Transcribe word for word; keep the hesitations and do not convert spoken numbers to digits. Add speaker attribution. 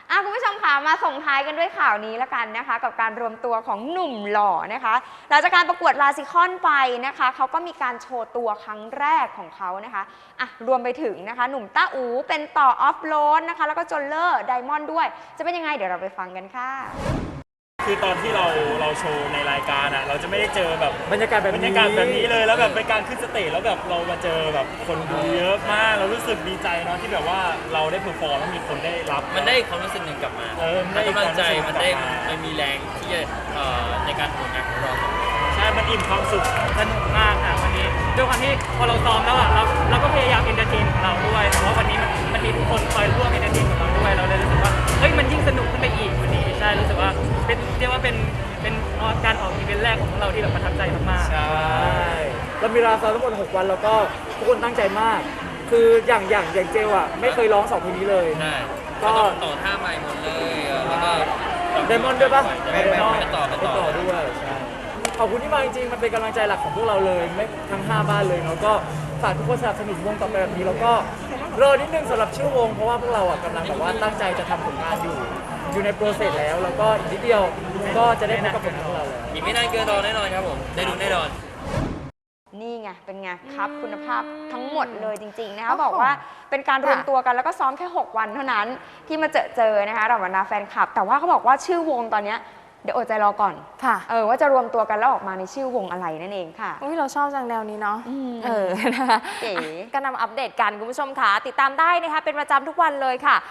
Speaker 1: อ่ะคุณผู้ชมค่ะมาส่งท้ายกันด้วยข่าวนี้ละกันนะคะกับการรวมตัวของหนุ่มหล่อนะคะหลังจากการประกวดลาซิคอนไปนะคะเขาก็มีการโชว์ตัวครั้งแรกของเขานะคะอ่ะรวมไปถึงนะคะหนุ่มต้าอูเป็นต่อออฟโรดนะคะแล้วก็จนเลอร์ไดมอนด์ด้วยจะเป็นยังไงเดี๋ยวเราไปฟังกันค่ะ
Speaker 2: คือตอนที่เราเราโชว์ในรายการอ่ะเราจะไม่ได้เจอแบบ
Speaker 3: บรรยากาศแบบ
Speaker 2: บรรยากาศแบบนี้เลยแล้วแบบเป็นการขึ้นสเตจแล้วแบบเรามาเจอแบบคนดูเยอะมากเรารู้สึกดีใจเนาะที่แบบว่าเราได้เพอร์ฟอร์มแล้วมีคนได้รับ
Speaker 4: มันได้ความรู้สึกหนึ่งกลับมา
Speaker 2: เออมันได้
Speaker 4: กำลังใจ
Speaker 2: ความรู้สึก
Speaker 4: มันได้
Speaker 2: กลับมา
Speaker 4: มันมีแรงที่จะเอ่อในการทำงานของเรา
Speaker 2: ใช่มันอิ่มความสุข
Speaker 5: สนุกมากค่ะวันนี้ด้วยความที่พอเราซ้อมแล้วอ่ะเราเราก็พยายามเอนเตอร์เทนของเราด้วยเพราะว่าวันนี้มันมันมีทุกคนคอยร่วมเอนเตอร์เทนของเราด้วยเราเลยรู้สึกว่าเฮ้ยมันยิ่งสนุกขึ้นไปอีกวันนี้ใช่รู้สึกว่าเป็นเรียกว่าเป็นเป็นการออกอีเวนต์แรกของพวกเราที่แบบประทับใจมากๆ
Speaker 3: ใช่เรามีเวลาซ้อมทั้งหมดหกวันแล้วก็ทุกคนตั้งใจมาก คืออย่างอย่างอย่างเจลอ่ะไม่เคยร้องสองเพลงนี้เลย
Speaker 4: ใช่
Speaker 3: ก็
Speaker 4: ก็ต่อท่าใหม่หมดเลยเออแล้วก็
Speaker 3: ไดมอนด์ด้วยปะ
Speaker 4: ไดมอนด์ไปต่อไป
Speaker 3: ไป
Speaker 4: ต่
Speaker 3: ต่
Speaker 4: อ
Speaker 3: อด้วยใช่ขอบคุณที่มาจริงๆมันเป็นกำลังใจหลักของพวกเราเลยไม่ทั้งห้าบ้านเลยเนาะก็ฝากทุกคนสนับสนุนวงต่อไปแบบนี้แล้วก็รอนิดนึงสำหรับชื่อวงเพราะว่าพวกเราอ่ะกำลังแบบว่าตั้งใจจะทำผลงานอยู่ อยู่ในโปรเซสแล้วแล้วก็อีกนิดเดียวก็จะได้พบกับผลงานของเราแล้ว
Speaker 4: อีกไม่นานเกินรอแน่นอนครับผมได้ดูแน่นอน
Speaker 1: นี่ไงเป็นไงครับคุณภาพทั้งหมดเลยจริงๆนะคะบอกว่าเป็นการรวมตัวกันแล้วก็ซ้อมแค่หกวันเท่านั้นที่มาเจอเจอนะคะเราบรรดาแฟนคลับแต่ว่าเขาบอกว่าชื่อวงตอนเนี้ยเดี๋ยวอดใจรอก่อน
Speaker 6: ค่ะ
Speaker 1: เออว่าจะรวมตัวกันแล้วออกมาในชื่อวงอะไรนั่นเองค่ะ
Speaker 6: อุ้ยเราชอบจังแนวนี้เนาะ
Speaker 1: อืม
Speaker 6: เออนะคะ
Speaker 1: เก๋
Speaker 6: ก็นำมาอัปเดตกันคุณผู้ชมค่ะติดตามได้นะคะเป็นประจำทุกวันเลยค่ะ